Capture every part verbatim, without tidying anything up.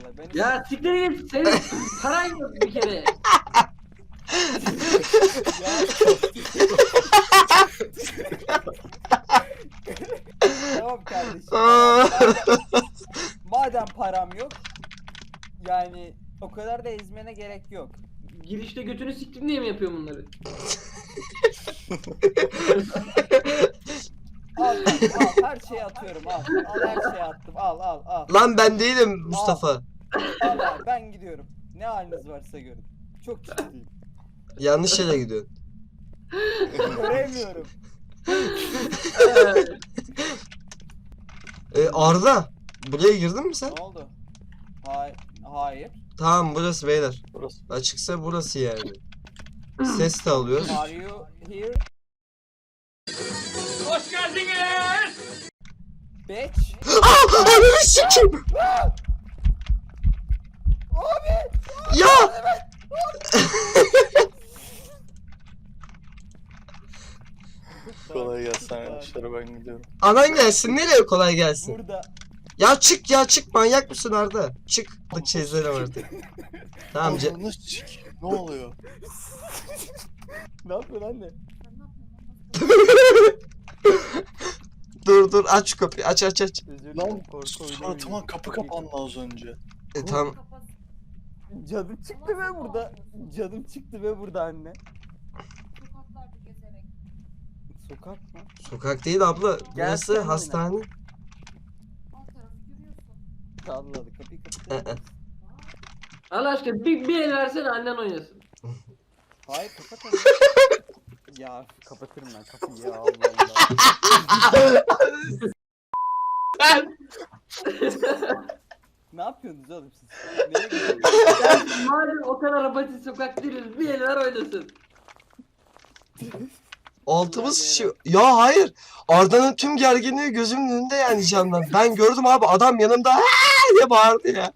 vallahi. Beni Ya siktir git. Senin paran yok bir kere. Tamam kardeşim. Madem, madem param yok, yani o kadar da ezmene gerek yok. Girişte götünü siktin diye mi yapıyor bunları? Al, al, her şeyi atıyorum, al. Al, her şeyi attım, al, al, al. Lan ben değilim Mustafa. Al abi, ben gidiyorum. Ne haliniz varsa görün. Çok ciddiyim. Yanlış yere gidiyorsun. Göremiyorum. Ee, Arda, buraya girdin mi sen? Ne oldu? Hayır. Hayır. Tamam, burası beyler. Burası. Açıksa burası yani. Ses de alıyoruz. Are you here? Hoş geldiniz. Bitch. Ah! Ananı sikeyim! Abi! Ya! Kolay gelsin arkadaşlar, ben gidiyorum. Anan gelsin, nereye kolay gelsin? Burada. Ya çık ya çık, manyak mısın Arda? Çık. Bak çizlerim artık. Tamam ce- Ananı sik. Ne oluyor? Ne yapıyorsun anne? Dur dur, aç şu kapıyı, aç aç aç. Özür dilerim, Lan korku oyunu suratıma oynuyorum. kapı kapandı az önce. E, tam Canım çıktı be burada. Canım çıktı be burada anne. Sokaklarda gezerek. Sokak mı? sokak değil abla. Gel Burası sen hastane. Alt tarafı yürüyorsun. Salladı kapıyı Ee, kapatır. Allah aşkına bir, bir el versene annen oynasın. Hayır kapat onu. Ya kapatırım ben kapıyı ya Allah Allah. Ne yapıyorsunuz oğlum siz? Nereye gidiyorsunuz? Yani madem o kadar apaçı sokak değiliz bir el ver oynasın. Altımız şişiyor. Ya hayır. Arda'nın tüm gerginliği gözümün önünde yani canlan. Ben gördüm abi, adam yanımda "Aa!" diye bağırdı ya.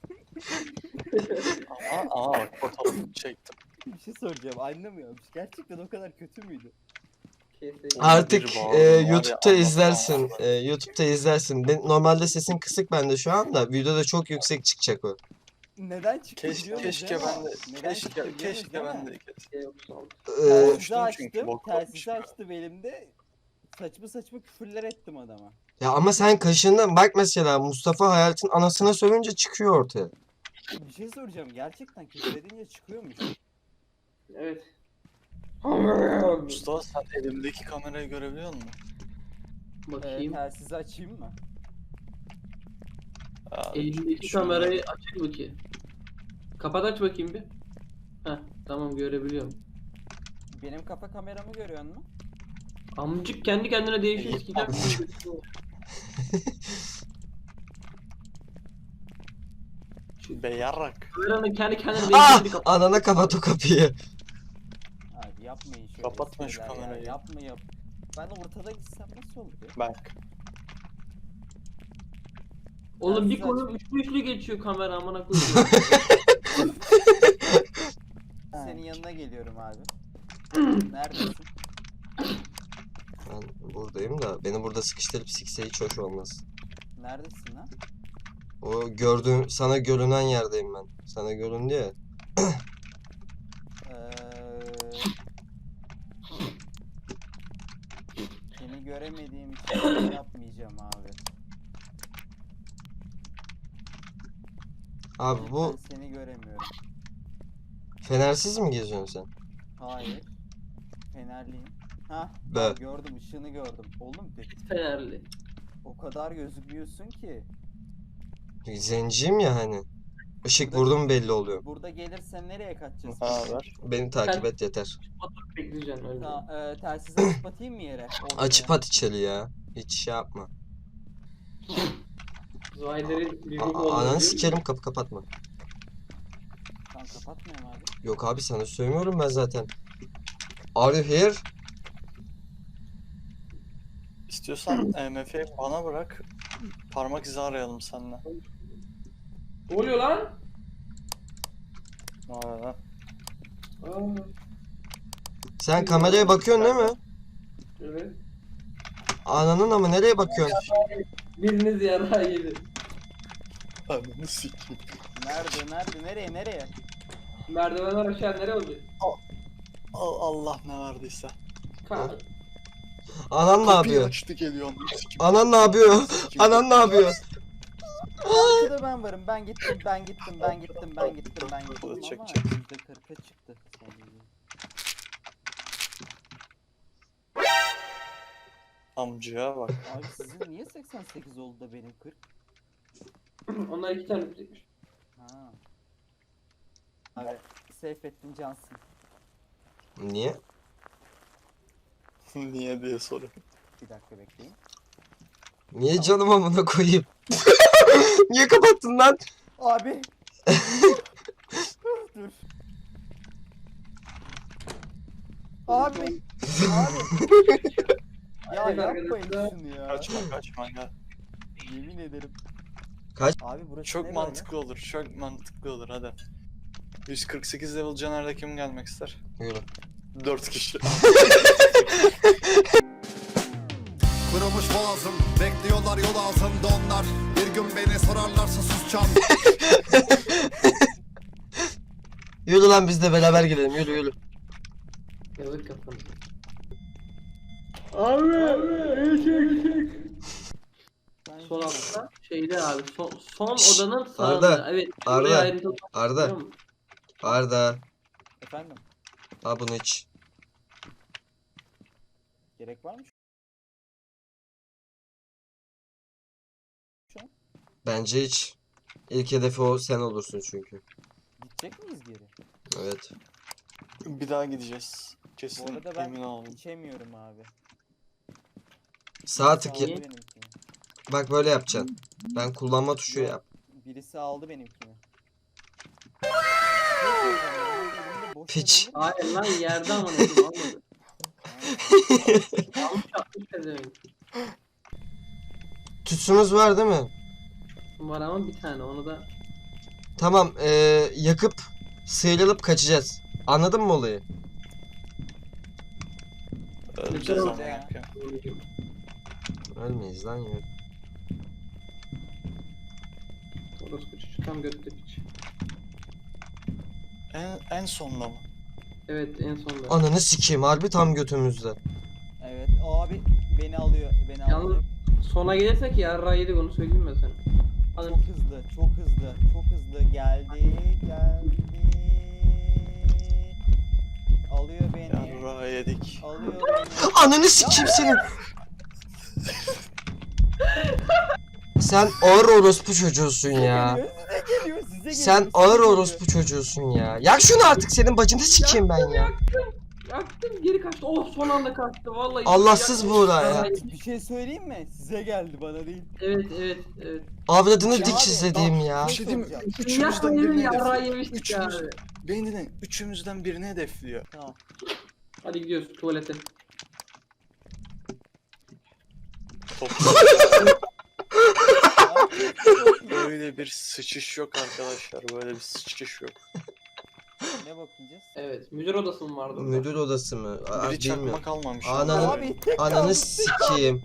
Aa, aa bak fotoğrafını çektim. Bir şey soracağım anlamıyormuş. Gerçekten o kadar kötü müydü? Artık Biri e, bağırdı, var ya, YouTube'da anlatamam. izlersin. E, YouTube'da izlersin. Ben, normalde sesin kısık bende şu anda. Videoda çok yüksek çıkacak o. Neden çıktı Keşke, biliyorsunuz keşke değil mi? ben de, Neden çıktı keşke, biliyorsunuz keşke değil ben mi? de. E, Telsizi Konuştum çünkü, açtım, bok telsizi olmuş ya. açtım elimde. Saçma saçma küfürler ettim adama. ya ama sen kaşındın. Bak mesela Mustafa Hayalet'in anasına sövünce çıkıyor ortaya. Bir şey soracağım. Gerçekten küfür edince çıkıyormuş. Evet. Mustafa, sen elimdeki kamerayı görebiliyor musun? Ee, Bakayım. telsizi açayım mı? Aa, Elimdeki şurada. kamerayı açık bakayım. Kapat aç bakayım bir. Heh tamam görebiliyorum. Benim kafa kameramı görüyor musun? Amcık kendi kendine değişiyor. İyi, Eskiden Be yarrak. kameranın kendi kendine Ah! değiştiğini kapat. Anana kapat o kapıyı. Abi yapmayın şöyle Kapatma şu espriler ya. kamerayı. Yapma yap. Ben ortada gitsem nasıl olur ya? Bak. Oğlum bir Telsiz konu üçlü üçlü geçiyor kamera amına koyayım. Senin yanına geliyorum abi. Neredesin? Ben buradayım da beni burada sıkıştırıp sikse hiç hoş olmaz. Neredesin lan? O gördüğüm, sana görünen yerdeyim ben. Sana göründü ya. Ee, seni göremediğim için şey yapmayacağım abi. Abi bu Ben seni göremiyorum. fenersiz mi geziyorsun sen? Hayır. Fenerliyim. Hah, Be. gördüm, ışığını gördüm. Oğlum de, Fenerli. o kadar gözükmüyorsun ki. Zenciyim ya hani. Işık Burada- vurdum belli oluyor. Burada gelirsen nereye kaçacağız? Ha ver. Beni takip et yeter. Oturup bekleyeceksin öyle. Ta, e, telsizi açıp atayım mı yere? Ortaya. Açıp at içeri ya. Hiç şey yapma. Zahirlerin bizim A- olduğunu ananı biliyor sikerim, kapı kapatma. Tamam kapatmıyorum abi. Yok abi, sana söylemiyorum ben zaten. Are you here? İstiyorsan E M F'yi bana bırak. Parmak izi arayalım seninle. Ne oluyor lan? Ne oluyor lan? Aa, Sen kameraya bakıyorsun değil mi? evet. Ananın ama nereye bakıyorsun? Biriniz yarağı yedi. Ananı sikeyim. Nerede nerede nereye nereye? Merdivenler aşağı nereye olacak? Al- Allah ne verdiyse. Ka- Anan ne Kapıyı yapıyor? açtı geliyor ananı sikeyim. Anan ne yapıyor? Anan ne yapıyor? Arkada ben varım. Ben gittim ben gittim ben gittim ben gittim ben gittim ama Çek, çek. yüzde kırka çıktı sadece. Amcaya bak. Abi sizin niye seksen sekiz oldu da benim kırk? Onlar iki tane bitecekmiş. Ha. Abi Seyfettin Cansın. Niye? Niye diye soruyor. Bir dakika bekleyin. Niye canım amına koyayım? Niye kapattın lan? Abi. Dur. Abi. Abi. Ya Evet yapmayın arkadaşlar. şunu ya. Kaçma kaçma gel. Yemin ederim. Kaç? Abi burası Çok ne mantıklı olur. Çok mantıklı olur hadi. yüz kırk sekiz level Caner'de kim gelmek ister? Yürü. dört kişi. Kırılmış boğazım, bekliyorlar yol ağzımda onlar. Bir gün beni sorarlarsa susacağım. Yürü lan biz de beraber gidelim yürü yürü. Yazık kafanı. Ben Sol gidiyorum. altta şeyde abi son, son Şşş, odanın sağında. Arda, Evet. Arda, buraya ayrıntılı Arda, bakıyor musun? Arda. Efendim. Al bunu iç. Gerek var mı? Bence iç. İlk hedefi o sen olursun çünkü. Gidecek miyiz geri? Evet. Bir daha gideceğiz. Bu Kesin arada ben emin olun. içemiyorum abi. Sağ Birisi tık aldı yap. benimkini. Bak böyle yapacaksın. Ben kullanma tuşu Yok. yap. Birisi aldı benimkini. Ne söyleyeceğim ya? Elimde boş Piç. yer olur mu? Hayır lan yerde ama nasıl almadı. Almış atmış pezevenk. Tütsümüz var değil mi? Var ama bir tane onu da. Tamam eee yakıp sıyrılıp kaçacağız. Anladın mı olayı? Öleceğiz ama Ya. yapıyor. Ölmeyiz lan yürü. Orospu çocuğu tam götte piç. En, en sonda mı? Evet en sonda. Ananı sikeyim harbi tam götümüzde. Evet o abi beni alıyor. Beni Yalnız alıyor. sona gelirsek yarra yedik onu söyleyeyim ben sana. Çok Alın. hızlı, çok hızlı, çok hızlı geldi, geldi. Alıyor beni. Yarra yedik. Alıyor beni. Ananı sikeyim senin. Sen ağır orospu çocuğusun ya. Geliyor, size geliyor, size geliyor. Sen size ağır geliyor. orospu çocuğusun ya. Yak şunu artık senin bacını sikeyim ben ya. Yaktım geri kaçtı. Oh son anda kaçtı vallahi. Allahsız Yaktım. Buğra ya. Bir şey söyleyeyim mi? Size geldi bana değil. Evet evet evet. Avradını Ya dik abi, izlediğim ya. Bir şey diyeyim mi? soracağım. Üçümüzden Dünya birini yarra hedefliyor. yemiştik ya Üçümüz, abi. beni dinleyin. Üçümüzden birini hedefliyor. Tamam. Hadi gidiyoruz tuvalete. Böyle bir sıçış yok arkadaşlar. Böyle bir sıçış yok. Ne bakacağız? Evet müdür odası mı vardı? orada? Müdür odası mı? Aa, Biri bilmiyorum. çakma kalmamış. Ananı- Abi tek Ananı kaldı. sikeyim.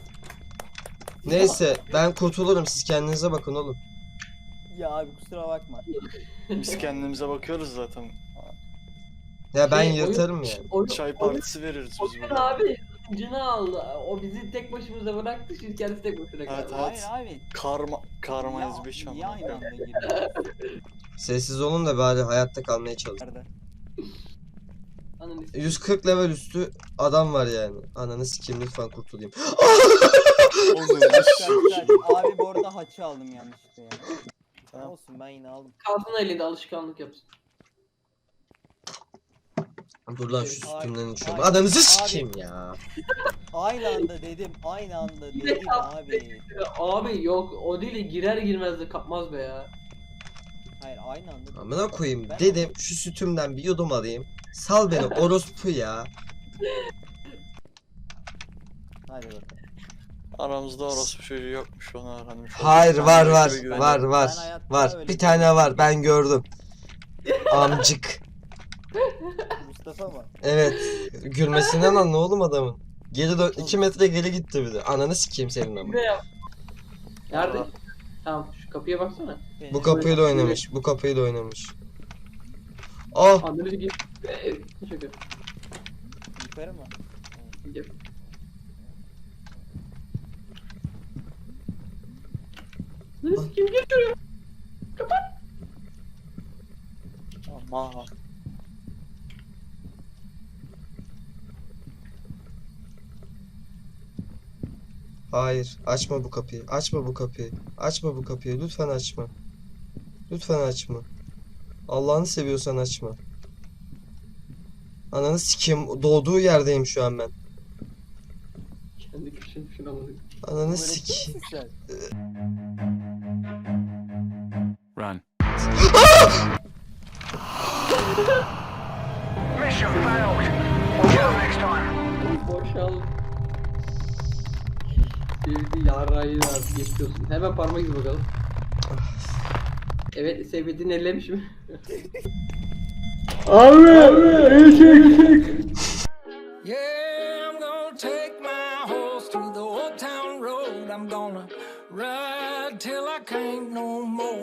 Neyse ben kurtulurum siz kendinize bakın oğlum. Ya abi kusura bakma. Biz kendimize bakıyoruz zaten. Ya ben Şey, oyun- yırtarım yani. Oyun, Çay oyun, partisi veririz biz oyun burada. abi cını aldı. O bizi tek başımıza bıraktı. Şimdi kendisi tek başına kaldı. Evet, Hayır abi. Karma, karma Ya, ezbeş niye ama. aynı anda giriyor? Sessiz olun da bari hayatta kalmaya çalışın. Nerede? Ananı s- yüz kırk level üstü adam var yani. Ananı sikeyim lütfen kurtulayım. Oğlum, Güzel, güzel. Abi bu arada haçı aldım yanlışlıkla ya. Tamam. Olsun ben yine aldım. Kalsın elinde alışkanlık yapsın. Dur lan şu Ay, sütümden içiyorum. ay, Ananızı abi. sikeyim ya. Aynı anda dedim. Aynı anda Bir de dedim kalktı. abi. Abi yok o değil girer girmez de kapmaz be ya. Hayır aynı anda. Amına koyayım Ben- dedim şu sütümden bir yudum alayım. Sal beni orospu ya. Hadi bakalım. Aramızda orospu çocuğu yokmuş onu öğrenmiş. olduk. Hayır Ben var de var ekibe güveniyorum. var Ben var hayatta var. öyle Bir tane görmedim. var ben gördüm. Amcık. Mustafa mı? Evet. Gülmesinden anla oğlum adamın. Geri dön iki metre geri gitti bir de. Ananı sikeyim senin ama. Ne yap? Nerede? Aa. Tamam şu Kapıya baksana. Bu kapıyı da oynamış. Bu kapıyı da oynamış. Ah! Anları git. Eee, şaka. Yukarı mı? Gidiyor. Neresi kim geliyor? Ama Hayır. Açma bu kapıyı. Açma bu kapıyı. Açma bu kapıyı. Lütfen açma. Lütfen açma. Allah'ını seviyorsan açma. Ananı sikeyim. Doğduğu yerdeyim şu an ben. Kendi köşeni şuna bak. Ananı Böyle sikeyim. kimsin sen? Run. Boşal. Sevdi yarrayı artık geçiyorsun. Hemen parmak izi bakalım. Evet, sevdiğini ellemiş mi? Abi! Yeah, I'm gonna take my horse to the old town road. I'm gonna ride till I can't no more.